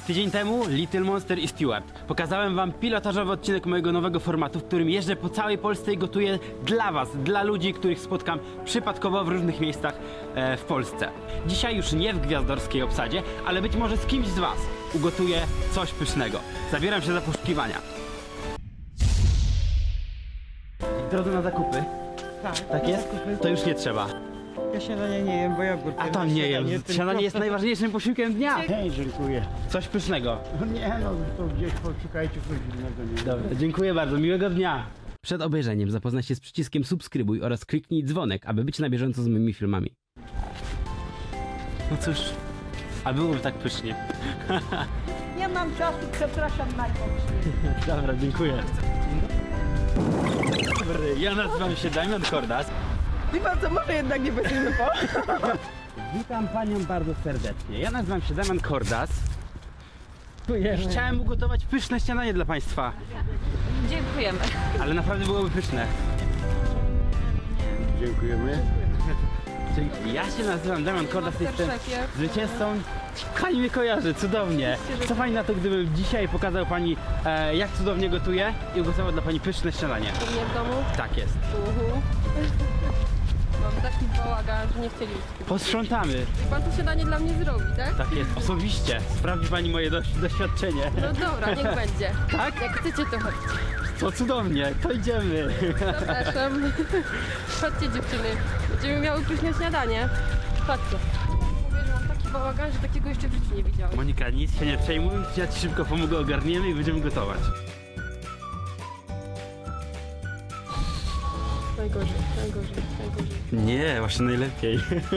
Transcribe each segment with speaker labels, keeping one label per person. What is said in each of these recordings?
Speaker 1: Tydzień temu Little Monster i Stewart. Pokazałem wam pilotażowy odcinek mojego nowego formatu, w którym jeżdżę po całej Polsce i gotuję dla was, dla ludzi, których spotkam przypadkowo w różnych miejscach w Polsce. Dzisiaj już nie w gwiazdorskiej obsadzie, ale być może z kimś z was ugotuję coś pysznego. Zabieram się za poszukiwania. Drodze na zakupy. Tak jest? To już nie trzeba.
Speaker 2: Ja śniadania nie jem, bo ja
Speaker 1: A to nie jem. Śniadanie jest najważniejszym posiłkiem dnia.
Speaker 2: Hej, dziękuję.
Speaker 1: Coś pysznego.
Speaker 2: No nie no, to gdzieś poszukajcie coś innego. Nie?
Speaker 1: Dobra, dziękuję bardzo, miłego dnia. Przed obejrzeniem zapoznaj się z przyciskiem subskrybuj oraz kliknij dzwonek, aby być na bieżąco z moimi filmami. No cóż, a byłoby tak pysznie.
Speaker 3: Nie mam czasu, przepraszam najmocniej.
Speaker 1: Dobra, dziękuję. Dobry, ja nazywam się Damian Kordas.
Speaker 3: Wie pan co, może jednak nie będziemy po?
Speaker 1: Witam panią bardzo serdecznie. Ja nazywam się Damian Kordas. Chciałem ugotować pyszne śniadanie dla państwa,
Speaker 4: Dziękujemy.
Speaker 1: ale naprawdę byłoby pyszne.
Speaker 2: Dziękujemy.
Speaker 1: Czyli ja się nazywam Damian Kordas, jestem
Speaker 4: szefie.
Speaker 1: zwycięzcą. Pani mnie kojarzy, cudownie. Co pani na to, gdybym dzisiaj pokazał pani, jak cudownie gotuję i ugotował dla pani pyszne śniadanie?
Speaker 4: U mnie w domu?
Speaker 1: Tak jest.
Speaker 4: Mam taki bałagan, że nie chcieli.
Speaker 1: Posprzątamy.
Speaker 4: I pan to śniadanie dla mnie zrobi, tak?
Speaker 1: Tak jest, osobiście. Sprawdzi pani moje doświadczenie.
Speaker 4: No dobra, niech będzie.
Speaker 1: Tak?
Speaker 4: Jak chcecie, to chodźcie.
Speaker 1: To cudownie, to idziemy.
Speaker 4: Zapraszam. Chodźcie dziewczyny. Będziemy miały pyszne śniadanie. Chodźcie. Mówię, że mam taki bałagan, że takiego jeszcze w życiu nie widziałem.
Speaker 1: Monika, nic się nie przejmuj, ja ci szybko pomogę, ogarniemy i będziemy gotować.
Speaker 4: Najgorzej, najgorzej, najgorzej.
Speaker 1: Nie, właśnie najlepiej.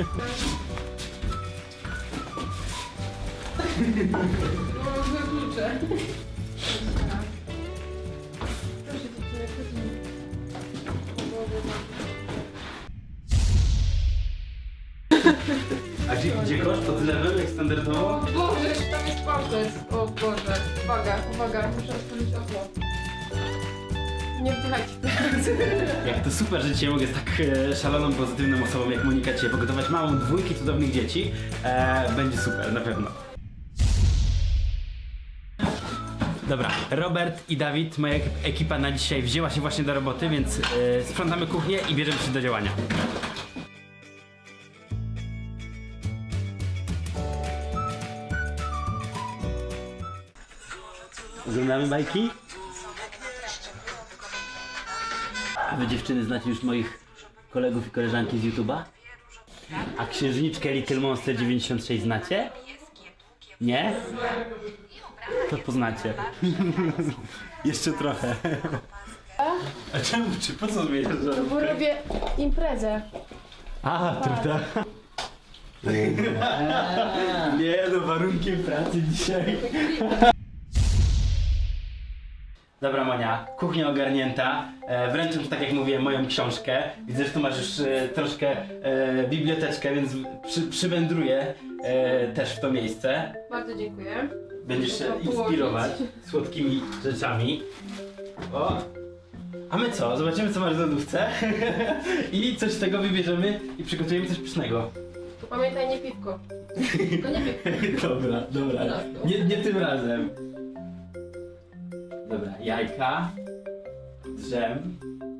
Speaker 4: Mam złe klucze. Proszę dziewczyny, chodźmy.
Speaker 1: A gdzie koszt? To tyle był jak standardowo?
Speaker 4: O Boże, tam jest palces. O Boże. Uwaga, uwaga, muszę otworzyć okno. Nie wdychajcie teraz.
Speaker 1: Jak to super, że dzisiaj mogę z tak szaloną, pozytywną osobą jak Monika dzisiaj pogotować małą dwójkę cudownych dzieci. Będzie super, na pewno. Dobra, Robert i Dawid, moja ekipa na dzisiaj wzięła się właśnie do roboty, więc sprzątamy kuchnię i bierzemy się do działania. Oglądamy bajki? A wy dziewczyny znacie już moich kolegów i koleżanki z YouTube'a? A księżniczkę Little Monster 96 znacie? Nie? To poznacie. Jeszcze trochę. A czemu? Czy po co zmieniasz?
Speaker 4: Bo robię imprezę.
Speaker 1: A, truda. Nie, no warunkiem pracy dzisiaj. Dobra Monia, kuchnia ogarnięta. Wręczam ci, tak jak mówiłem, moją książkę. Widzę, że tu masz już troszkę biblioteczkę, więc przywędruję też w to miejsce.
Speaker 4: Bardzo dziękuję.
Speaker 1: Będziesz się
Speaker 4: Można
Speaker 1: inspirować słodkimi rzeczami. O! A my co? Zobaczymy, co masz w lodówce i coś z tego wybierzemy i przygotujemy coś pysznego.
Speaker 4: To pamiętaj, nie piwko. Tylko nie piwko.
Speaker 1: Dobra, dobra. Nie tym razem. Dobra, jajka, drzem,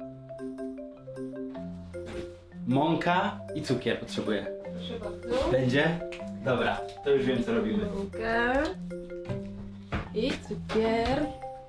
Speaker 1: mąka i cukier potrzebuję.
Speaker 4: Proszę bardzo.
Speaker 1: Będzie? Dobra, to już wiem, co robimy.
Speaker 4: Mąkę. I cukier.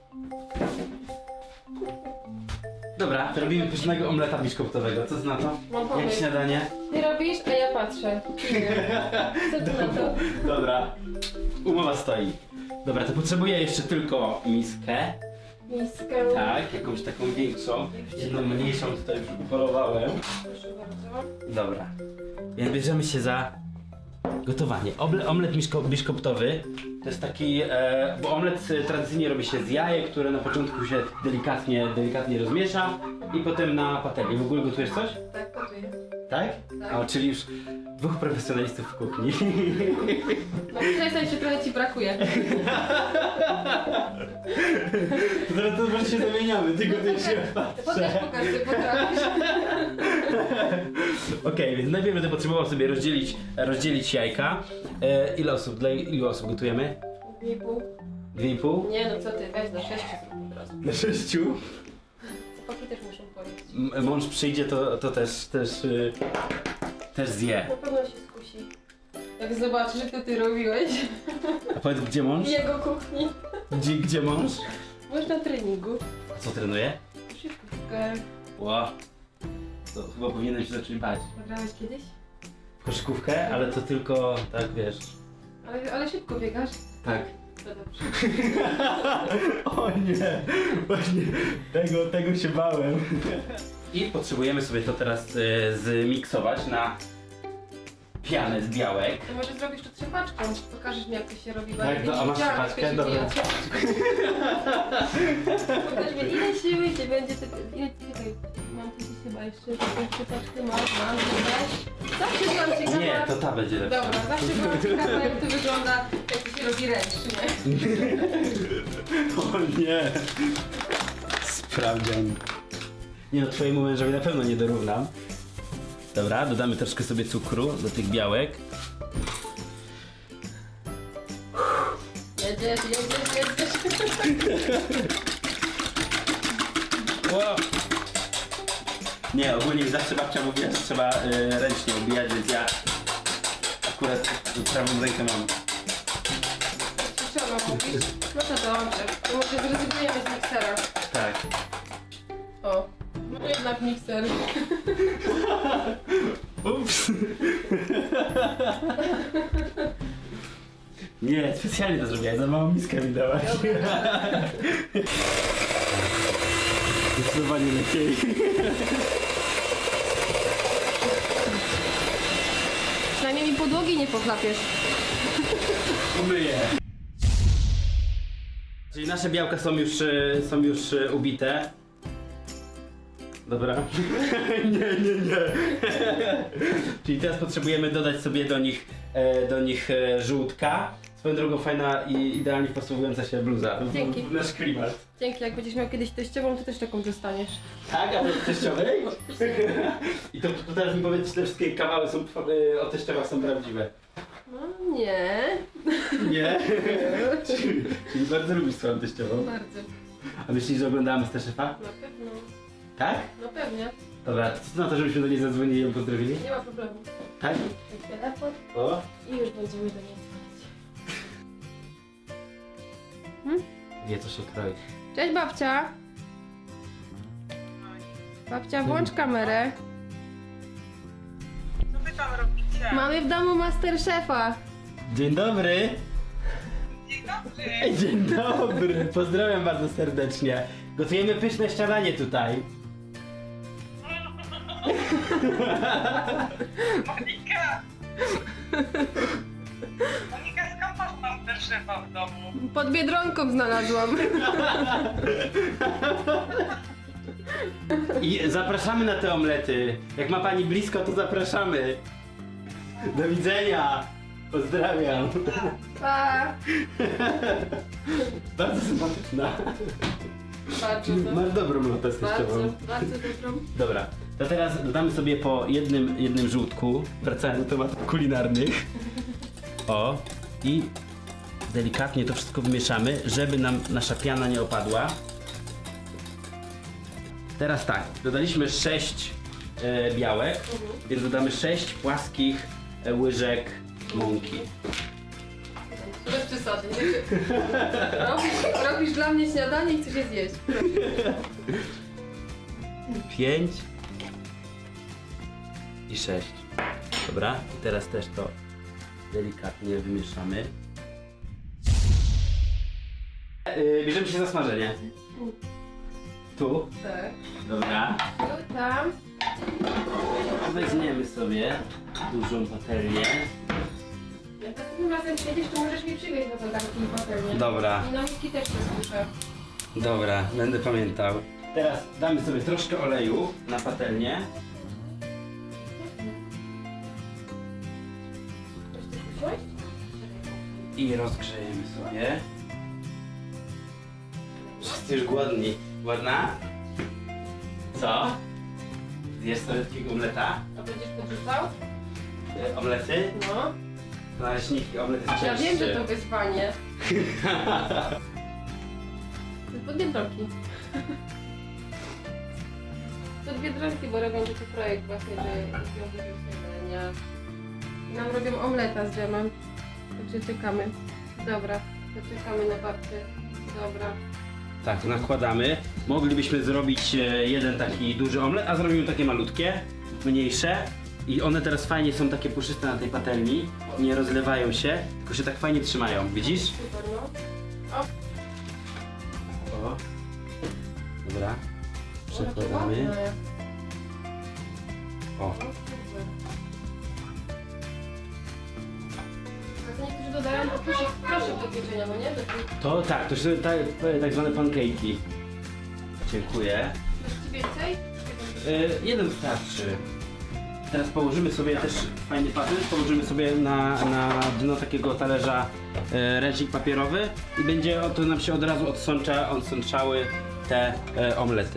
Speaker 1: Dobra, to robimy pysznego omleta biszkoptowego. Co ty na to?
Speaker 4: Mam
Speaker 1: Jak
Speaker 4: pomysł.
Speaker 1: śniadanie?
Speaker 4: Ty robisz, a ja patrzę. Co ty na to?
Speaker 1: Dobra, umowa stoi. Dobra, to potrzebuję jeszcze tylko miskę.
Speaker 4: Miskę.
Speaker 1: Tak, jakąś taką większą. Jedną mniejszą tutaj już upolowałem.
Speaker 4: Proszę bardzo.
Speaker 1: Dobra, więc bierzemy się za gotowanie. Omlet biszkoptowy to jest taki, bo omlet tradycyjnie robi się z jajek, które na początku się delikatnie rozmiesza i potem na patelni. W ogóle gotujesz coś?
Speaker 4: Tak, gotuję.
Speaker 1: Tak?
Speaker 4: Tak.
Speaker 1: O, czyli już dwóch profesjonalistów w kuchni.
Speaker 4: No przestań się, trochę ci brakuje.
Speaker 1: Zaraz to może się zamieniamy, ty gotujesz, ja
Speaker 4: Potem
Speaker 1: patrzę.
Speaker 4: pokaż, ty potrafisz.
Speaker 1: Okej, więc najpierw będę potrzebował sobie rozdzielić jajka. Ile osób? Dla ilu osób gotujemy?
Speaker 4: 2,5.
Speaker 1: 2,5?
Speaker 4: Nie no co ty, weź na 6 zrób od razu.
Speaker 1: Na 6?
Speaker 4: Chłopaki też muszą pojeść.
Speaker 1: Mąż przyjdzie, to też zje.
Speaker 4: Na pewno się skusi. Jak zobaczy, że to ty robiłeś
Speaker 1: A powiedz, gdzie mąż?
Speaker 4: w jego kuchni.
Speaker 1: Gdzie mąż?
Speaker 4: Byłeś na treningu.
Speaker 1: A co trenuje?
Speaker 4: Szybkę.
Speaker 1: Ło. To chyba powinienem się zacząć bać.
Speaker 4: Grałeś kiedyś?
Speaker 1: W koszykówkę, ale to tylko, tak wiesz.
Speaker 4: Ale szybko biegasz.
Speaker 1: Tak.
Speaker 4: To dobrze.
Speaker 1: O nie, właśnie tego się bałem. I potrzebujemy sobie to teraz zmiksować na pianę z białek.
Speaker 4: To może zrobisz to trzepaczką. Pokażesz mi jak to się robi. bo
Speaker 1: Tak,
Speaker 4: ja
Speaker 1: no,
Speaker 4: nie
Speaker 1: a masz
Speaker 4: widziałam,
Speaker 1: trzepaczkę?
Speaker 4: jak to się
Speaker 1: Dobra.
Speaker 4: dzieje. Pokaż mi ile siły cię będzie tego... Ile tutaj mam tu chyba jeszcze taką trzepaczkę. Mam, weź. Zawsze byłam ciekawa...
Speaker 1: Nie, to ta będzie lepsza.
Speaker 4: Dobra, zawsze byłam ciekawa jak to wygląda, jak to się robi ręcznie.
Speaker 1: O nie. Sprawdzian. Nie no, twojemu mężowi na pewno nie dorównam. Dobra, dodamy troszkę sobie cukru do tych białek.
Speaker 4: Jedziesz.
Speaker 1: Wow. Nie, ogólnie zawsze babcia mówiła, że trzeba ręcznie ubijać, więc ja akurat prawą rękę mam.
Speaker 4: Co ona mówisz? No to dobrze. To może zrezygnujemy z miksera.
Speaker 1: Tak.
Speaker 4: O, no jednak mikser.
Speaker 1: Ups. Nie, specjalnie to zrobiłem, za małą miskę mi dałaś. Zdecydowanie lepiej.
Speaker 4: Przynajmniej mi podłogi nie pochlapiesz.
Speaker 1: Umyję. Czyli nasze białka są już ubite. Dobra. Nie. Czyli teraz potrzebujemy dodać sobie do nich żółtka. Swoją drogą fajna i idealnie wpasowująca się bluza.
Speaker 4: Dzięki.
Speaker 1: W nasz klimat.
Speaker 4: Dzięki, jak będziesz miał kiedyś teściową, to też taką dostaniesz.
Speaker 1: Tak, a w teściowej? I to teraz mi powiedz, czy te wszystkie kawały są, o teściowach są prawdziwe.
Speaker 4: No nie.
Speaker 1: Nie? Czyli bardzo lubisz swoją teściową.
Speaker 4: Bardzo.
Speaker 1: A myślisz, że oglądała Masterchefa?
Speaker 4: Na pewno.
Speaker 1: Tak?
Speaker 4: No pewnie.
Speaker 1: Dobra, to co na to, żebyśmy do niej zadzwonili i ją pozdrowili?
Speaker 4: Nie ma problemu.
Speaker 1: Tak?
Speaker 4: Telefon
Speaker 1: O?
Speaker 4: i już będziemy do niej dzwonić.
Speaker 1: Wie, co się kroi.
Speaker 4: Cześć babcia. Babcia, włącz kamerę.
Speaker 3: Co wy tam robicie?
Speaker 4: Mamy w domu Masterchefa.
Speaker 1: Dzień dobry!
Speaker 3: Dzień dobry.
Speaker 1: Dzień dobry! Pozdrawiam bardzo serdecznie. Gotujemy pyszne śniadanie tutaj.
Speaker 3: Monika! Monika, skąd masz Masterchefa w domu?
Speaker 4: Pod Biedronką znalazłam.
Speaker 1: I zapraszamy na te omlety. Jak ma pani blisko, to zapraszamy. Do widzenia! Pozdrawiam.
Speaker 4: Pa.
Speaker 1: Bardzo sympatyczna.
Speaker 4: Bardzo,
Speaker 1: Masz dobrą lotę z teściową.
Speaker 4: bardzo dobrą.
Speaker 1: Dobra, to teraz dodamy sobie po jednym żółtku, wracając do tematów kulinarnych. O, i delikatnie to wszystko wymieszamy, żeby nam nasza piana nie opadła. Teraz tak, dodaliśmy 6 białek, więc dodamy 6 płaskich łyżek mąki.
Speaker 4: Bez przesady. Robisz dla mnie śniadanie i chcesz je zjeść.
Speaker 1: 5 i 6. Dobra, i teraz też to delikatnie wymieszamy. Bierzemy się za smażenie. Tu.
Speaker 4: Tak.
Speaker 1: Dobra.
Speaker 4: Tu, tam.
Speaker 1: Weźmiemy sobie dużą patelnię.
Speaker 4: Jak następnym razem przyjedziesz, to możesz mi przywieźć do zagarnki i patelnię.
Speaker 1: Dobra.
Speaker 4: I na miski też się słyszę.
Speaker 1: Dobra, będę pamiętał. Teraz damy sobie troszkę oleju na patelnię.
Speaker 4: Chcesz coś usiąść?
Speaker 1: I rozgrzejemy sobie. Wszyscy już głodni. Głodna? Co? Zjesz sobie takiego omleta?
Speaker 4: A będziesz podrzucał?
Speaker 1: Omlety?
Speaker 4: No.
Speaker 1: Naleśniki, omlet jest
Speaker 4: Ja
Speaker 1: cięższy.
Speaker 4: wiem, że to wyzwanie. Pod Biedronki. Pod Biedronki, bo robią taki projekt właśnie, że robią dużo śniadania. I nam robią omleta z dżemem. Także czekamy. Dobra, to czekamy na babcię. Dobra.
Speaker 1: Tak, nakładamy. Moglibyśmy zrobić jeden taki duży omlet, a zrobimy takie malutkie, mniejsze. I one teraz fajnie są takie puszyste na tej patelni. Nie rozlewają się, tylko się tak fajnie trzymają. Widzisz?
Speaker 4: Super, no.
Speaker 1: O. Dobra.
Speaker 4: Jakie
Speaker 1: Przekładamy.
Speaker 4: ładne.
Speaker 1: O.
Speaker 4: O, super. A to niektórzy dodają po proszek do pieczenia, no nie? Do tych...
Speaker 1: To tak, to są tak zwane pancake'i. Dziękuję.
Speaker 4: Chcesz ci więcej?
Speaker 1: Jeden wystarczy. Teraz położymy sobie też fajny papier, położymy sobie na dno takiego talerza ręcznik papierowy i będzie to nam się od razu odsączały te omlety.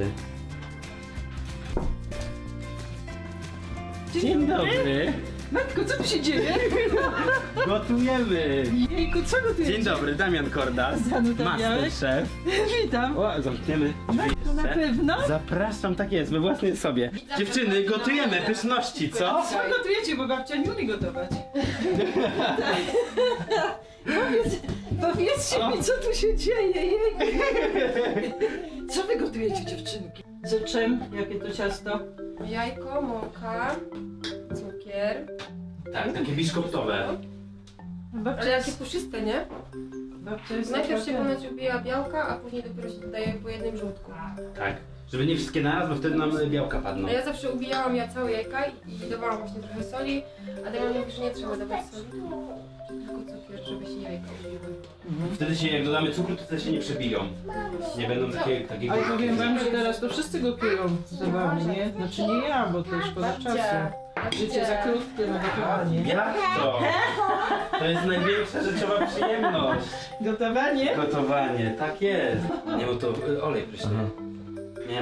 Speaker 1: Dzień dobry.
Speaker 5: Matko, co tu się dzieje?
Speaker 1: Gotujemy.
Speaker 5: Jejku, co gotujesz?
Speaker 1: Dzień dobry, Damian Kordas,
Speaker 5: Zanutawiałeś?
Speaker 1: Masterchef.
Speaker 5: Witam.
Speaker 1: O, zamkniemy drzwi
Speaker 5: To na
Speaker 1: jeszcze.
Speaker 5: pewno?
Speaker 1: Zapraszam, tak jest, we własnej sobie. Dziewczyny, gotujemy pyszności, co?
Speaker 5: Co gotujecie, bo babcia nie umie gotować. Powiedzcie mi, co tu się dzieje, jejku. Co wy gotujecie, dziewczynki? Z czym? Jakie to ciasto?
Speaker 4: Jajko, mąka, cukier.
Speaker 1: Tak, takie biszkoptowe.
Speaker 5: Babcia
Speaker 4: Ale jakie puszyste, nie?
Speaker 5: Babcia jest
Speaker 4: Najpierw się
Speaker 5: naprawdę-
Speaker 4: ponoć ubija białka, a później dopiero się dodaje po jednym żółtku.
Speaker 1: Tak. Żeby nie wszystkie naraz, bo wtedy nam białka padną.
Speaker 4: A ja zawsze ubijałam całe jajka i dawałam właśnie trochę soli, a Damian mówi, że nie trzeba dawać soli. Tylko cukier, żeby się jajka ubiły.
Speaker 1: Wtedy się, jak dodamy cukru, to wtedy się nie przebiją. Nie będą takie
Speaker 5: Ale powiem wam, że teraz to wszyscy gotują za wami, nie? Znaczy nie ja, bo to szkoda czasu. Życie za krótkie na gotowanie.
Speaker 1: Jak to? To jest największa rzeczowa przyjemność.
Speaker 5: Gotowanie?
Speaker 1: Gotowanie, tak jest. Nie, bo to olej pryszny. Nie.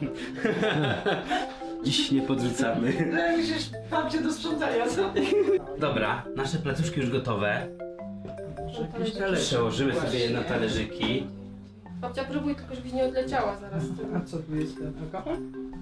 Speaker 1: Dziś nie podrzucamy.
Speaker 5: Musisz babcię do sprzątania, co?
Speaker 1: Dobra, nasze placuszki już gotowe.
Speaker 5: Jakiś talerz.
Speaker 1: Przełożymy sobie je na talerzyki.
Speaker 4: Babcia, próbuj tylko, żebyś nie odleciała zaraz.
Speaker 5: A co tu jest ten alkohol?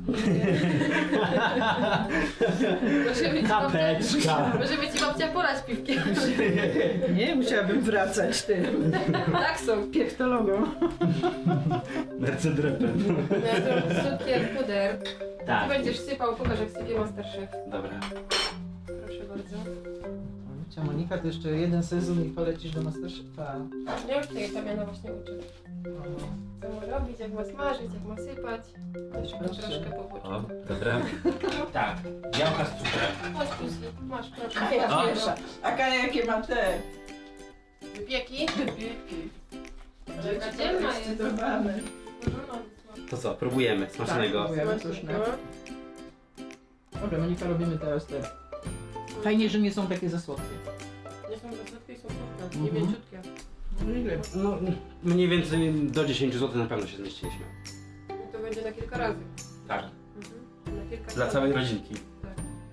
Speaker 4: Może ci babcia porać piwkiem.
Speaker 5: Nie, musiałabym wracać tym
Speaker 4: Tak są.
Speaker 5: piektologą.
Speaker 1: Mercedrepem.
Speaker 4: Cukier, puder. Ty
Speaker 1: Tak.
Speaker 4: będziesz sypał, pokaż jak sypie Masterchef.
Speaker 1: Dobra.
Speaker 4: Proszę bardzo.
Speaker 5: Cia Monika, to jeszcze jeden sezon i polecisz do Masterchefa.
Speaker 4: Ja już tej Damiana właśnie uczę. Co ma robić, jak ma smażyć, jak ma sypać. Jeszcze go
Speaker 5: Proszę.
Speaker 4: troszkę powłoczyć.
Speaker 1: O, dobra. Tak, białka z cukrem.
Speaker 4: Chodź Pusi, masz proszę.
Speaker 1: O.
Speaker 4: Pierwsza.
Speaker 5: A jakie ma te?
Speaker 4: Wypieki.
Speaker 5: Wypieki.
Speaker 4: Dzielna jest.
Speaker 5: Zdecydowane.
Speaker 1: To co, próbujemy smacznego.
Speaker 5: Tak, próbujemy. Słuszne. Dobra, Monika, robimy teraz te. Fajnie, że nie są takie za słodkie.
Speaker 4: Nie są rozrywki, są słodkie, nie mięciutkie.
Speaker 5: No ile?
Speaker 1: No, mniej więcej do 10 zł na pewno się zmieściliśmy.
Speaker 4: I to będzie na kilka razy.
Speaker 1: Tak.
Speaker 4: Na kilka
Speaker 1: Dla
Speaker 4: razy.
Speaker 1: całej rodzinki.
Speaker 4: Tak.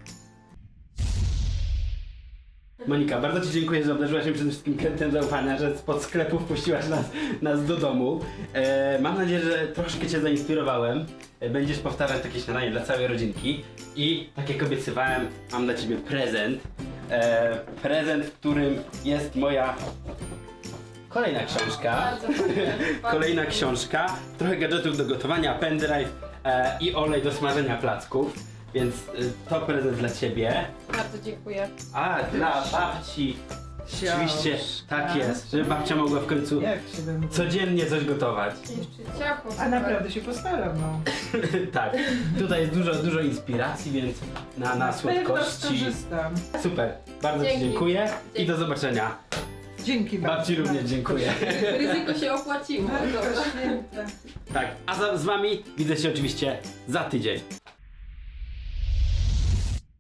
Speaker 1: Monika, bardzo Ci dziękuję, że obdarzyłaś mnie przede wszystkim kredytem zaufania, że spod sklepu wpuściłaś nas do domu. Mam nadzieję, że troszkę Cię zainspirowałem. Będziesz powtarzać takie śniadanie dla całej rodzinki. I tak jak obiecywałem, mam dla Ciebie prezent. Prezent, w którym jest moja kolejna książka.
Speaker 4: Bardzo fajnie.
Speaker 1: Kolejna książka, trochę gadżetów do gotowania, pendrive i olej do smażenia placków. Więc to prezent dla Ciebie.
Speaker 4: Bardzo dziękuję.
Speaker 1: A, dla babci. Oczywiście, tak jest, żeby babcia mogła w końcu
Speaker 5: Jak się będę...
Speaker 1: codziennie coś gotować.
Speaker 4: Jeszcze ciacho.
Speaker 5: A
Speaker 4: super.
Speaker 5: naprawdę się postaram, no.
Speaker 1: Tak, tutaj jest dużo inspiracji, więc na
Speaker 5: Pewno
Speaker 1: słodkości.
Speaker 5: skorzystam.
Speaker 1: Super, bardzo Ci
Speaker 4: Dzięki.
Speaker 1: dziękuję i
Speaker 4: Dzięki.
Speaker 1: do zobaczenia.
Speaker 5: Dzięki
Speaker 1: Babci również dziękuję.
Speaker 4: Ryzyko się opłaciło. Dobra.
Speaker 5: Święta.
Speaker 1: Tak, a z Wami widzę się oczywiście za tydzień.